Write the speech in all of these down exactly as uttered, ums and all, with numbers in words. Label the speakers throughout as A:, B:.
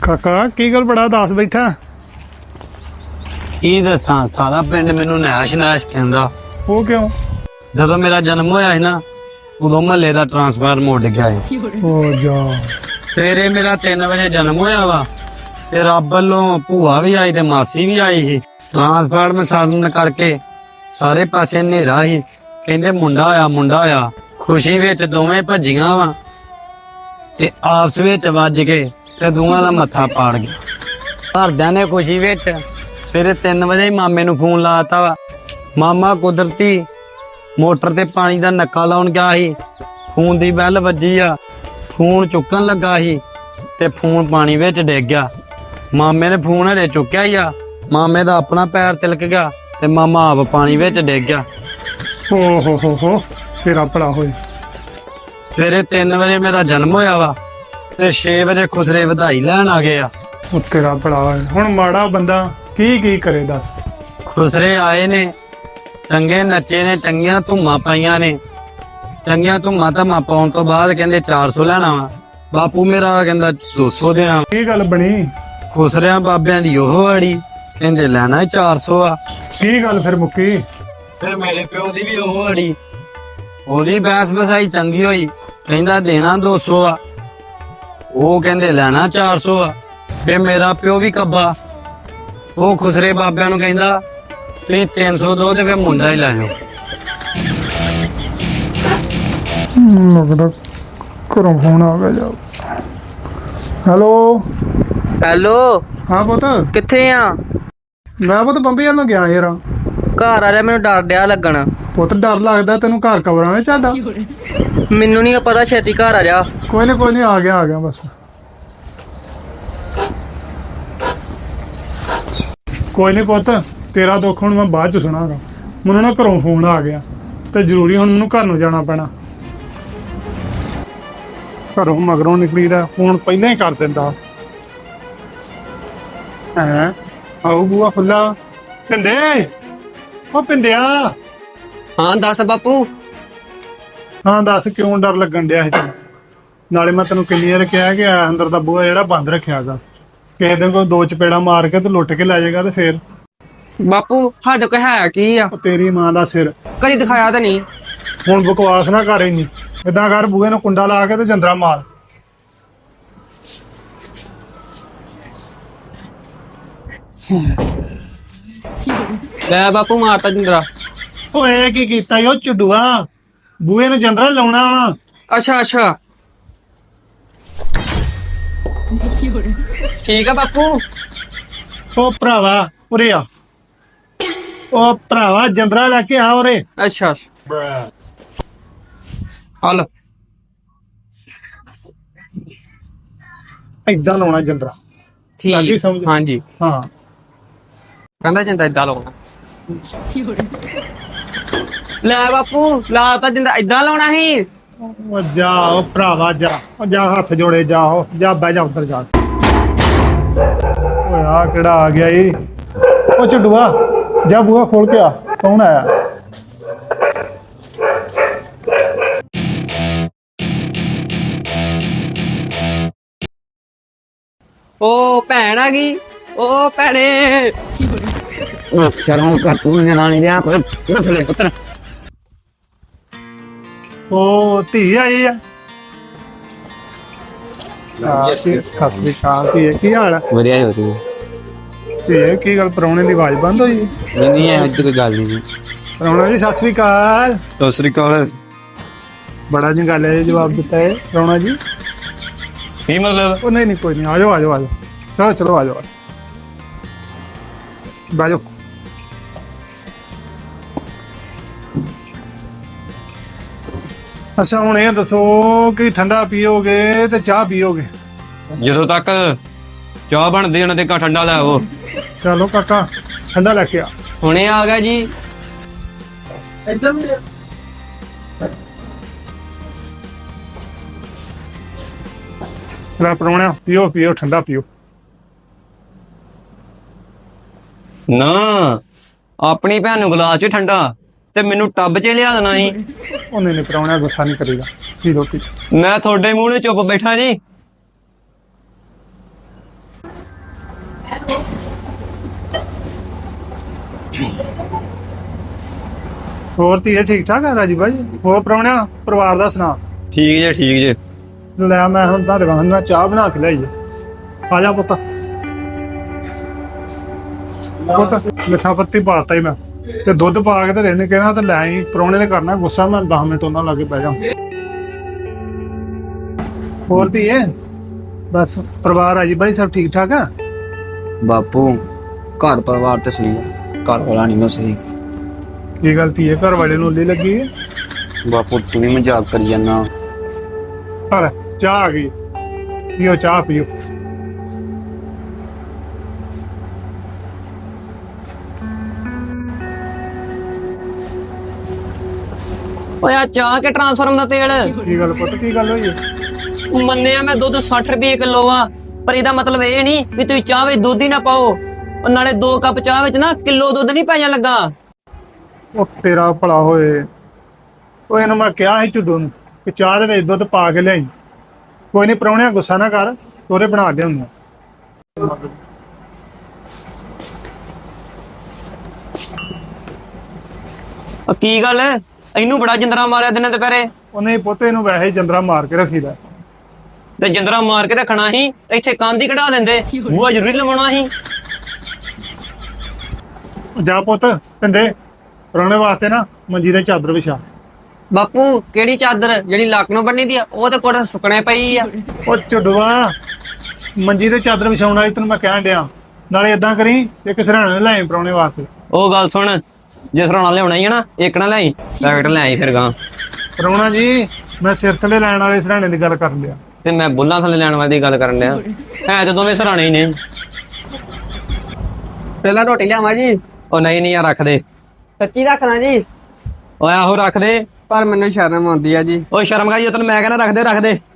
A: ਕਾਕਾ ਕੀ ਗੱਲ ਬੜਾ ਉਦਾਸ ਬੈਠਾ?
B: ਕੀ ਦੱਸਾਂ, ਸਾਰਾ ਪਿੰਡ ਮੈਨੂੰ ਨੈਸ਼ ਨੈਸ਼ ਕਹਿੰਦਾ।
A: ਉਹ ਕਿਉਂ?
B: ਜਦੋਂ ਮੇਰਾ ਜਨਮ ਹੋਇਆ ਸੀ ਨਾ, ਉਦੋਂ ਮਹੱਲੇ ਦਾ ਟਰਾਂਸਫਾਰਮਰ ਉੱਡ ਗਿਆ ਸੀ।
A: ਉਹ ਜਾ।
B: ਸਵੇਰੇ ਮੇਰਾ ਤਿੰਨ ਵਜੇ ਜਨਮ ਹੋਇਆ ਵਾ ਤੇ ਰੱਬ ਵੱਲੋਂ ਭੂਆ ਵੀ ਆਈ ਤੇ ਮਾਸੀ ਵੀ ਆਈ ਸੀ। ਟਰਾਂਸਫਾਰਮਰ ਸਾਰਨ ਕਰਕੇ ਸਾਰੇ ਪਾਸੇ ਹਨੇਰਾ ਸੀ। ਕਹਿੰਦੇ ਮੁੰਡਾ ਆਇਆ ਮੁੰਡਾ ਆਇਆ। ਖੁਸ਼ੀ ਵਿੱਚ ਦੋਵੇਂ ਭੱਜੀਆਂ ਵਾ ਤੇ ਆਪਸ ਵਿੱਚ ਵੱਜ ਕੇ ਤੇ ਦੋਵਾਂ ਦਾ ਮੱਥਾ ਪਾੜ ਗਿਆ। ਘਰਦਿਆਂ ਨੇ ਖੁਸ਼ੀ ਵਿੱਚ ਸਵੇਰੇ ਤਿੰਨ ਵਜੇ ਹੀ ਮਾਮੇ ਨੂੰ ਫੋਨ ਲਾਤਾ ਵਾ। ਮਾਮਾ ਕੁਦਰਤੀ ਮੋਟਰ ਤੇ ਪਾਣੀ ਦਾ ਨੱਕਾ ਲਾਉਣ ਗਿਆ ਸੀ। ਫੋਨ ਦੀ ਬੈਲ ਵੱਜੀ ਆ, ਫੋਨ ਚੁੱਕਣ ਲੱਗਾ ਸੀ ਤੇ ਫੋਨ ਪਾਣੀ ਵਿੱਚ ਡਿੱਗ ਗਿਆ। ਮਾਮੇ ਨੇ ਫੋਨ ਹਲੇ ਚੁੱਕਿਆ ਹੀ ਆ, ਮਾਮੇ ਦਾ ਆਪਣਾ ਪੈਰ ਤਿਲਕ ਗਿਆ ਤੇ ਮਾਮਾ ਆਪ ਪਾਣੀ ਵਿੱਚ ਡਿੱਗ ਗਿਆ।
A: ਓ ਹੋ ਹੋ ਹੋ, ਤੇਰਾ ਭਲਾ ਹੋਏ।
B: ਸਵੇਰੇ ਤਿੰਨ ਵਜੇ ਮੇਰਾ ਜਨਮ ਹੋਇਆ ਵਾ ਤੇ ਛੇ ਵਜੇ ਖੁਸਰੇ ਵਧਾਈ ਲੈਣ ਆ ਗਏ ਆ।
A: ਉਹ ਤੇਰਾ ਭਲਾ ਹੋਏ। ਹੁਣ ਮਾੜਾ ਬੰਦਾ ਕੀ ਕੀ ਕਰੇ ਦੱਸ?
B: ਖੁਸਰੇ ਆਏ ਨੇ, ਚੰਗੇ ਨੱਚੇ ਨੇ, ਚੰਗੀਆਂ ਧੁੰਮਾਂ ਪਾਈਆਂ ਨੇ। ਚੰਗੀਆਂ ਧੁੰਮਾਂ ਧੰਮਾਂ ਪਾਉਣ ਤੋਂ ਬਾਅਦ ਕਹਿੰਦੇ ਚਾਰ ਸੌ ਲੈਣਾ ਵਾ। ਬਾਪੂ ਮੇਰਾ ਕਹਿੰਦਾ ਦੋ ਸੌ ਦੇਣਾ।
A: ਕੀ ਗੱਲ ਬਣੀ?
B: ਖੁਸਰਿਆਂ ਬਾਬਿਆਂ ਦੀ ਉਹ ਅੜੀ, ਕਹਿੰਦੇ ਲੈਣਾ ਚਾਰ ਸੌ ਆ।
A: ਕੀ ਗੱਲ ਫਿਰ ਮੁੱਕੀ?
B: ਫਿਰ ਮੇਰੇ ਪਿਓ ਦੀ ਵੀ ਉਹ ਅੜੀ, ਉਹਦੀ ਬੈਸ ਬਸਾਈ ਚੰਗੀ ਹੋਈ, ਕਹਿੰਦਾ ਦੇਣਾ ਦੋ ਸੌ ਆ। ਉਹ ਕਹਿੰਦੇ ਲੈਣਾ ਚਾਰ ਸੌ ਆ। ਫਿਰ ਮੇਰਾ ਪਿਓ ਵੀ ਕੱਬਾ, ਉਹ ਖੁਸਰੇ ਬਾਬਿਆਂ ਨੂੰ ਕਹਿੰਦਾ ਤੁਸੀਂ ਤਿੰਨ ਸੌ ਦੋ ਤੇ ਫਿਰ ਮੁੰਡਾ ਹੀ ਲੈ ਜਾਓ।
A: ਲੱਗਦਾ ਘਰੋਂ ਫੋਨ ਆ ਗਿਆ ਜਾ। ਹੈਲੋ
C: ਹੈਲੋ,
A: ਹਾਂ ਪੁੱਤ,
C: ਕਿੱਥੇ ਆ?
A: ਮੈਂ ਪੁੱਤ ਬੰਬੀ ਵੱਲ ਨੂੰ ਗਿਆ ਯਾਰ।
C: ਘਰ ਆ ਜਾ, ਮੈਨੂੰ ਡਰ ਡਿਆ ਲੱਗਣ।
A: ਪੁੱਤ ਡਰ ਲੱਗਦਾ ਤੈਨੂੰ? ਘਰ ਕਬਰਾਂ ਵਿੱਚ ਸਾਡਾ।
C: ਮੈਨੂੰ ਨਹੀਂ ਪਤਾ, ਛੇਤੀ ਘਰ ਆ ਜਾ।
A: ਕੋਈ ਨਹੀਂ ਕੋਈ ਨਹੀਂ, ਆ ਗਿਆ ਆ ਗਿਆ ਬਸ। ਕੋਈ ਨਹੀਂ ਪੁੱਤ, ਤੇਰਾ ਦੁੱਖ ਹੁਣ ਮੈਂ ਬਾਅਦ ਚ ਸੁਣਾਂਗਾ। ਮੈਨੂੰ ਨਾ ਘਰੋਂ ਫੋਨ ਆ ਗਿਆ ਤੇ ਜ਼ਰੂਰੀ ਹੁਣ ਮੈਨੂੰ ਘਰ ਨੂੰ ਜਾਣਾ ਪੈਣਾ। ਘਰੋਂ ਮਗਰੋਂ ਨਿਕਲੀਦਾ ਫੋਨ ਪਹਿਲਾਂ ਹੀ ਕਰ ਦਿੰਦਾ। ਹੈਂ, ਆਓ ਬੂਆ ਖੁੱਲਾ। ਪਿੰਦੇ, ਉਹ ਪਿੰਦਿਆ।
C: ਹਾਂ ਦੱਸ ਬਾਪੂ।
A: ਹਾਂ ਦੱਸ, ਕਿਉਂ ਡਰ ਲੱਗਣ ਡਿਆ ਸੀ ਤੈਨੂੰ? ਨਾਲੇ ਮੈਂ ਤੈਨੂੰ ਕਿੰਨੀ ਵਾਰ ਕਿਹਾ ਕਿ ਆ ਅੰਦਰ ਦਾ ਬੂਹਾ ਜਿਹੜਾ ਬੰਦ ਰੱਖਿਆਗਾ, ਕਿਸੇ ਦਿਨ ਕੋਈ ਦੋ ਚਪੇੜਾ ਮਾਰ ਕੇ ਤੇ ਲੁੱਟ ਕੇ ਲੈ ਜਾਏਗਾ ਤੇ ਫੇਰ
C: ਬਾਪੂ ਸਾਡੇ ਕੋਲ ਹੈ ਕੀ ਆ?
A: ਉਹ ਤੇਰੀ ਮਾਂ ਦਾ ਸਿਰ।
C: ਕਦੀ ਦਿਖਾਇਆ ਤਾਂ ਨਹੀਂ।
A: ਹੁਣ ਬਕਵਾਸ ਨਾ ਕਰ ਇੰਨੀ। ਏਦਾਂ ਕਰ, ਬੂਹੇ ਨੂੰ ਕੁੰਡਾ ਲਾ ਕੇ ਤੇ ਜੰਦਰਾ ਮਾਰ।
C: ਲੈ ਬਾਪੂ, ਮਾਰਤਾ ਜਿੰਦਰਾ।
A: ਓਏ ਕੀ ਕੀਤਾ ਈ ਉਹ ਚੁੱਡੂਆ? ਬੂਹੇ ਨੂੰ ਜੰਦਰਾ ਲਾਉਣਾ ਵਾ।
C: ਅੱਛਾ ਅੱਛਾ, ਠੀਕ ਆ ਬਾਪੂ।
A: ਉਹ ਭਰਾਵਾ ਉਰੇ ਆ। ਉਹ ਭਰਾਵਾ ਜੰਦਰਾ ਲੈ ਕੇ ਆ ਉਰੇ।
C: ਅੱਛਾ ਹਲ
A: ਏਦਾਂ ਲਾਉਣਾ ਜੰਦਰਾ। ਲੱਗੀ
C: ਠੀਕ,
A: ਸਮਝ?
C: ਹਾਂਜੀ।
A: ਹਾਂ
C: ਕਹਿੰਦਾ ਜਿੰਦਾ ਏਦਾਂ ਲਾਉਣਾ। ਲੈ ਬਾਪੂ, ਲਾ ਤਾਂ ਜਿੰਦਾ ਏਦਾਂ ਲਾਉਣਾ ਸੀ।
A: ਉਹ ਜਾ ਉਹ ਭਰਾਵਾ ਜਾ। ਉਹ ਜਾ ਹੱਥ ਜੋੜੇ ਜਾ। ਉਹ ਜਾ ਬਹਿ ਜਾ ਉੱਧਰ ਜਾ। ਓਏ ਆ ਕਿਹੜਾ ਆ ਗਿਆ ਈ? ਉਹ ਚੁੱਡੂਆ ਜਾ ਬੂਹਾ ਖੋਲ ਕੇ ਆ। ਕੌਣ ਆਇਆ?
C: ਓ ਭੈਣ ਆ ਗਈ। ਓ ਭੈਣੇ।
B: ਸ਼ਰਮ ਕਰ ਤੂੰ ਨਾ ਨਹੀਂ ਰਿਹਾ ਕੋਈ ਨਸਲੇ ਪੁੱਤਰ।
A: ਉਹ ਧੀ ਆਈ ਆ। ਸਤਿ ਸ੍ਰੀ ਅਕਾਲ ਧੀਏ, ਕੀ ਹਾਲ ਆ?
B: ਵਧੀਆ ਹੋ ਤੂੰ?
A: ਧੀਏ ਕੀ ਗੱਲ, ਪ੍ਰਾਹੁਣੇ ਦੀ ਆਵਾਜ਼ ਬੰਦ ਹੋਈ?
B: ਨਹੀਂ ਨਹੀਂ ਇਹੋ ਜਿਹੀ ਕੋਈ ਗੱਲ ਨਹੀਂ ਜੀ।
A: ਪ੍ਰਾਹੁਣਾ ਜੀ ਸਤਿ ਸ੍ਰੀ ਅਕਾਲ।
B: ਸਤਿ ਸ੍ਰੀ ਅਕਾਲ।
A: ਬੜਾ ਜੰਗਾਲੇ ਜਿਹਾ ਜਵਾਬ ਦਿੱਤਾ ਹੈ ਪ੍ਰਾਹੁਣਾ ਜੀ।
B: ਕੀ ਮਤਲਬ?
A: ਉਹ ਨਹੀਂ ਨਹੀਂ ਕੋਈ ਨਹੀਂ, ਆ ਜਾਓ ਆ ਜਾਓ ਆ ਜਾਓ। ਚਲੋ ਚਲੋ ਆ ਜਾਓ, ਬਹਿ ਜਾਓ। ਅੱਛਾ ਹੁਣ ਇਹ ਦੱਸੋ ਕਿ ਠੰਡਾ ਪੀਓਗੇ ਤੇ ਚਾਹ ਪੀਓਗੇ?
B: ਜਦੋਂ ਤੱਕ ਚਾਹ ਬਣਦੀ ਉਹਨਾਂ ਤੇ ਕਾ ਠੰਡਾ ਲੈ ਆਓ।
A: ਚਲੋ ਕਾਕਾ ਠੰਡਾ ਲੈ ਕੇ ਆ।
C: ਹੁਣੇ ਆ ਗਿਆ ਜੀ।
A: ਇੱਧਰ ਵੀ ਲੈ ਪ੍ਰਾਹੁਣਿਆ, ਪੀਓ ਪੀਓ ਠੰਡਾ ਪੀਓ।
B: ਨਾ ਆਪਣੀ ਭੈਣ ਨੂੰ ਗਲਾਸ ਚ ਠੰਡਾ ਤੇ ਮੈਨੂੰ ਟੱਬ 'ਚ ਲਿਆ ਦੇਣਾ ਸੀ।
A: ਉਹਨੇ ਨੇ ਪ੍ਰਾਹੁਣਾ ਗੁੱਸਾ ਨਹੀਂ ਕਰੀਦਾ। ਕੀ ਰੋਟੀ
B: ਮੈਂ ਤੁਹਾਡੇ ਮੂੰਹ ਨੂੰ ਚੁੱਪ ਬੈਠਾ ਜੀ।
A: ਹੋਰ ਧੀਏ ਠੀਕ ਠਾਕ ਆ ਰਾਜੀ ਬਾਜੀ? ਹੋਰ ਪ੍ਰਾਹੁਣਿਆ ਪਰਿਵਾਰ ਦਾ ਸੁਣਾ?
B: ਠੀਕ ਜੇ ਠੀਕ ਜੇ।
A: ਲੈ ਮੈਂ ਹੁਣ ਤੁਹਾਡੇ ਵਾਸਤੇ ਨਾ ਚਾਹ ਬਣਾ ਕੇ ਲਿਆਈ ਆ। ਆ ਜਾ ਪੁੱਤ। ਪੁੱਤ ਮਿੱਠਾ ਪੱਤੀ ਪਾਤਾ ਹੀ ਮੈਂ ਤੇ ਦੁੱਧ ਪਾ ਕੇ ਤੇ ਰਹਿਣੇ ਕਹਿਣਾ ਤੇ ਲੈ ਆਈ। ਪ੍ਰਾਹੁਣੇ ਨੇ ਕਰਨਾ ਗੁੱਸਾ, ਮੈਂ ਦਸ ਮਿੰਟ ਉਹਨਾਂ ਲਾਗੇ ਬਹਿ ਜਾ। ਹੋਰ ਧੀਏ ਬਸ ਪਰਿਵਾਰ ਰਾਜੀ ਬਾਈ ਸਭ ਠੀਕ ਠਾਕ ਆ?
D: ਬਾਪੂ ਘਰ ਪਰਿਵਾਰ ਤੇ ਸਹੀ ਆ, ਘਰ ਵਾਲਾ ਨਹੀਂ ਨਾ ਸਹੀ।
A: ਕੀ ਗੱਲ ਧੀਏ ਘਰ ਵਾਲੇ ਨੂੰ ਉੱਲੀ ਲੱਗੀ ਹੈ?
D: ਬਾਪੂ ਤੂੰ ਵੀ ਮਜ਼ਾਕ ਕਰੀ ਜਾਂਦਾ।
A: ਹਲ ਚਾਹ ਆ ਗਈ, ਪੀਓ ਚਾਹ ਪੀਓ।
C: ਓਏ ਆ ਚਾਹ ਕੇ ਟਰਾਂਸਫਾਰਮ ਦਾ ਤੇਲ
A: ਕੀ ਗੱਲ ਪੁੱਤ ਕੀ ਗੱਲ ਹੋਈ ਹੈ?
C: ਮੰਨਿਆ ਮੈਂ ਦੁੱਧ ਸੱਠ ਰੁਪਏ ਕਿਲੋ ਆ, ਪਰ ਇਹਦਾ ਮਤਲਬ ਇਹ ਨਹੀਂ ਵੀ ਤੁਸੀਂ ਚਾਹ ਵਿੱਚ ਦੁੱਧ ਹੀ ਨਾ ਪਾਓ। ਉਹ ਨਾਲੇ ਦੋ ਕੱਪ ਚਾਹ ਵਿੱਚ ਨਾ ਕਿਲੋ ਦੁੱਧ ਨਹੀਂ ਪਾਇਆ ਲੱਗਾ।
A: ਉਹ ਤੇਰਾ ਭਲਾ ਹੋਏ। ਉਹ ਇਹਨੂੰ ਮੈਂ ਕਿਹਾ ਸੀ ਝੁੱਡੂ ਨੂੰ ਕਿ ਚਾਹ ਦੇ ਵਿੱਚ ਦੁੱਧ ਪਾ ਕੇ ਲਿਆਈ। ਕੋਈ ਨਹੀਂ ਪ੍ਰਾਹੁਣਿਆ ਗੁੱਸਾ ਨਾ ਕਰ, ਤੋਰੇ ਬਣਾ ਦੇ ਹੁੰਦੇ।
C: ਉਹ ਕੀ ਗੱਲ ਇਹਨੂੰ ਬੜਾ ਜਿੰਦਰਾ ਮਾਰਿਆ ਦਿਨੇ ਦੁਪਹਿਰੇ?
A: ਉਹਨੇ ਪੋਤੇ ਨੂੰ ਵੈਸੇ ਹੀ ਜੰਦਰਾ ਮਾਰ ਕੇ ਰੱਖੀਦਾ।
C: ਤੇ ਜਿੰਦਰਾ ਮਾਰ ਕੇ ਰੱਖਣਾ ਸੀ, ਇੱਥੇ ਕੰਧ ਹੀ ਕਢਾ ਦਿੰਦੇ। ਬੂਹਾ ਜ਼ਰੂਰੀ ਲਵਾਉਣਾ ਸੀ।
A: ਜਾ ਪੁੱਤ ਪਿੰਦੇ ਪ੍ਰਾਹੁਣੇ ਵਾਸਤੇ ਨਾ ਮੰਜੀ ਦੇ ਚਾਦਰ ਵਿਛਾ।
C: ਬਾਪੂ ਕਿਹੜੀ ਚਾਦਰ ਜਿਹੜੀ ਲੱਕ ਨੂੰ ਬੰਨੀ ਦੀ ਆ? ਉਹ ਤੇ ਕੋਟ ਸੁੱਕਣੇ ਪਈ ਆ।
A: ਉਹ ਝੁੱਡੂਆ ਮੰਜੀ ਤੇ ਚਾਦਰ ਵਿਛਾਉਣ ਵਾਲੀ ਤੈਨੂੰ ਮੈਂ ਕਹਿਣ ਡਿਆ। ਨਾਲੇ ਏਦਾਂ ਕਰੀ ਇੱਕ ਸਿਰਹਾਣੇ ਲੈ ਆਈ ਪ੍ਰਾਹੁਣੇ ਵਾਸਤੇ।
C: ਉਹ ਗੱਲ ਸੁਣ, ਜੇ ਸਰਾਣਾ ਲਿਆਉਣਾ ਹੀ ਹੈ ਨਾ, ਇੱਕ ਨਾ ਲਿਆਈ, ਪੈਕਟ ਲੈ ਆਈ ਫਿਰ ਗਾਂ।
A: ਪ੍ਰਾਹੁਣਾ ਜੀ ਮੈਂ ਸਿਰ ਥੱਲੇ ਲੈਣ ਵਾਲੇ ਸਿਰਹਾਣੇ ਦੀ ਗੱਲ ਕਰਨ ਲਿਆ।
C: ਤੇ ਮੈਂ ਬੁੱਲਾਂ ਥੱਲੇ ਲੈਣ ਵਾਲੀ ਦੀ ਗੱਲ ਕਰਨ ਲਿਆ। ਹੈ ਤੇ ਦੋਵੇਂ ਸਰਾਣੇ ਹੀ ਨੇ। ਪਹਿਲਾਂ ਰੋਟੀ ਲਿਆਵਾਂ ਜੀ? ਉਹ ਨਹੀਂ ਨਹੀਂ ਯਾਰ ਰੱਖ ਦੇ। ਸੱਚੀ ਰੱਖਣਾ ਜੀ? ਓਏ ਆਹੋ ਰੱਖ ਦੇ, ਪਰ ਮੈਨੂੰ ਸ਼ਰਮ ਆਉਂਦੀ ਆ ਜੀ। ਓਏ ਸ਼ਰਮ ਕਾ ਜੀ, ਤੈਨੂੰ ਮੈਂ ਕਹਿੰਦਾ ਰੱਖ ਦੇ ਰੱਖ ਦੇ।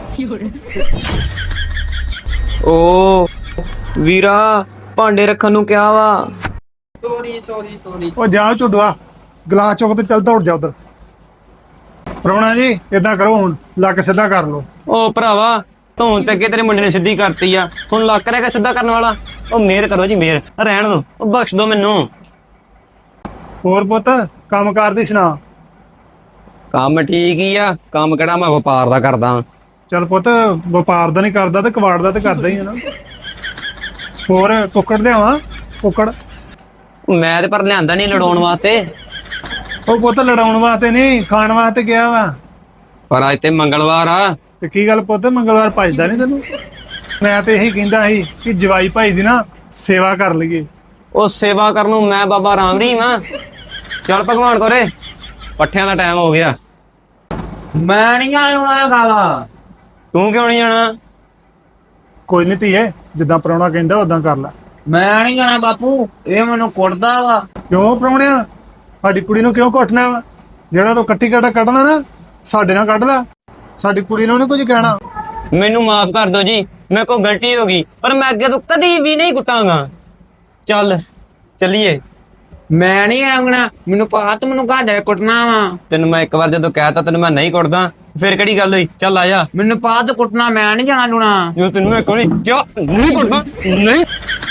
C: ਓ ਵੀਰਾ ਭਾਂਡੇ ਰੱਖਣ ਨੂੰ ਕਿਹਾ ਵਾ। Sorry sorry sorry.
A: ਉਹ ਜਾ ਝੁੱਡੂਆ ਗਲਾਸ ਚੁੱਕ ਤੇ ਚੱਲ ਦੌੜ ਜਾ ਉਧਰ। ਪ੍ਰਾਹੁਣਾ ਜੀ ਏਦਾਂ ਕਰੋ ਹੁਣ ਲੱਕ ਸਿੱਧਾ ਕਰ ਲਓ।
C: ਓ ਭਰਾਵਾ ਧੌਣ ਤੇ ਅੱਗੇ ਤੇਰੇ ਮੁੰਡੇ ਨੇ ਸਿੱਧੀ ਕਰਤੀ ਆ, ਹੁਣ ਲੱਕ ਰਹਿ ਗਿਆ ਸਿੱਧਾ ਕਰਨ ਵਾਲਾ। ਉਹ ਮਿਹਰ ਕਰੋ ਜੀ ਮਿਹਰ, ਰਹਿਣ ਦੋ, ਉਹ ਬਖਸ਼ ਦੋ ਮੈਨੂੰ।
A: ਹੋਰ ਪੁੱਤ ਕੰਮ ਕਾਰ ਦੀ ਸੁਣਾ?
C: ਕੰਮ ਠੀਕ ਹੀ ਆ। ਕੰਮ ਕਿਹੜਾ ਮੈਂ ਵਪਾਰ ਦਾ ਕਰਦਾ।
A: ਚੱਲ ਪੁੱਤ ਵਪਾਰ ਦਾ ਨਹੀਂ ਕਰਦਾ ਤੇ ਕਬਾੜ ਦਾ ਤੇ ਕਰਦਾ ਹੀ ਹੈ ਨਾ। ਹੋਰ ਕੁੱਕੜ ਲਿਆਵਾਂ? ਕੁੱਕੜ
C: ਮੈਂ ਤੇ ਪਰ ਲਿਆਂਦਾ ਨਹੀਂ ਲੜਾਉਣ ਵਾਸਤੇ।
A: ਉਹ ਪੁੱਤ ਲੜਾਉਣ ਵਾਸਤੇ ਨਹੀਂ, ਖਾਣ ਵਾਸਤੇ ਗਿਆ ਵਾ।
C: ਪਰ ਅੱਜ ਤੇ ਮੰਗਲਵਾਰ ਆ।
A: ਤੇ ਕੀ ਗੱਲ ਪੁੱਤ ਮੰਗਲਵਾਰ ਭਜਦਾ ਨਹੀਂ ਤੈਨੂੰ? ਮੈਂ ਤੇ ਇਹੀ ਕਹਿੰਦਾ ਸੀ ਕਿ ਜਵਾਈ ਭਾਈ ਦੀ ਨਾ ਸੇਵਾ ਕਰ ਲਈਏ।
C: ਉਹ ਸੇਵਾ ਕਰਨ ਨੂੰ ਮੈਂ ਬਾਬਾ ਰਾਮ ਰਹੀਮ ਆ। ਚੱਲ ਭਗਵਾਨ ਕੋਰੇ, ਪੱਠਿਆਂ ਦਾ ਟਾਈਮ ਹੋ ਗਿਆ।
D: ਮੈਂ ਨਹੀਂ ਆਉਣਾ ਗਾਲਾ।
C: ਤੂੰ ਕਿਉਂ ਨਹੀਂ ਜਾਣਾ?
A: ਕੋਈ ਨਹੀਂ ਧੀਏ ਜਿੱਦਾਂ ਪ੍ਰਾਹੁਣਾ ਕਹਿੰਦਾ ਉਦਾਂ ਕਰ ਲੈ।
D: ਮੈਂ ਨਹੀਂ ਜਾਣਾ ਬਾਪੂ, ਇਹ ਮੈਨੂੰ ਕੁੱਟਦਾ ਵਾ।
A: ਕਿਉਂ ਪ੍ਰਾਹੁਣਿਆ ਸਾਡੀ ਕੁੜੀ ਨੂੰ ਕਿਉਂ ਘੁੱਟਣਾ ਵਾ? ਜਿਹੜਾ ਤੂੰ ਕੱਟੀ ਕਾਟਾ ਕੱਢਣਾ ਨਾ ਸਾਡੇ ਨਾਲ ਕੱਢ ਲੈ, ਸਾਡੀ ਕੁੜੀ ਨੂੰ ਨਹੀਂ ਕੁਝ ਕਹਿਣਾ।
C: ਮੈਨੂੰ ਮਾਫ ਕਰ ਦਿਓ ਜੀ, ਮੇਰੇ ਕੋਲ ਗਲਤੀ ਹੋ ਗਈ, ਪਰ ਮੈਂ ਅੱਗੇ ਤੋਂ ਕਦੀ ਵੀ ਨਹੀਂ ਕੁੱਟਾਂਗਾ। ਚੱਲ ਚੱਲੀਏ।
D: ਮੈਂ ਨਹੀਂ ਆਉਣਾ, ਮੈਨੂੰ ਪਤਾ ਤੂੰ ਮੈਨੂੰ ਘਰ ਜਾ ਕੁੱਟਣਾ ਵਾ।
C: ਤੈਨੂੰ ਮੈਂ ਇੱਕ ਵਾਰ ਜਦੋਂ ਕਹਿਤਾ ਤੈਨੂੰ ਮੈਂ ਨਹੀਂ ਕੁੱਟਦਾ, ਫਿਰ ਕਿਹੜੀ ਗੱਲ ਹੋਈ? ਚੱਲ ਆ ਜਾ।
D: ਮੈਨੂੰ ਪਤਾ ਤੂੰ ਕੁੱਟਣਾ, ਮੈਂ ਨਹੀਂ ਜਾਣਾ ਲੂਣਾ।
C: ਜਦੋਂ ਤੈਨੂੰ ਮੈਂ ਕੋਈ ਕਿਉਂ ਨਹੀਂ ਕੁੱਟਦਾ ਨਹੀਂ।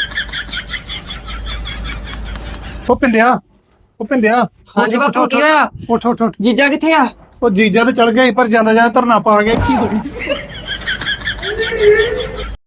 A: ਉਹ ਪਿੰਡਿਆ ਉਹ ਪਿੰਡਿਆ
C: ਹਾਂਜੀ ਬਾਪੂ ਕੀ ਹੋਇਆ?
A: ਉੱਠ ਉੱਠ ਉੱਠ।
C: ਜੀਜਾ ਕਿੱਥੇ ਆ?
A: ਉਹ ਜੀਜਾ ਤੇ ਚਲ ਗਿਆ ਸੀ ਪਰ ਜਾਂਦਾ ਜਾਂਦਾ ਧਰਨਾ ਪਾ ਗਿਆ।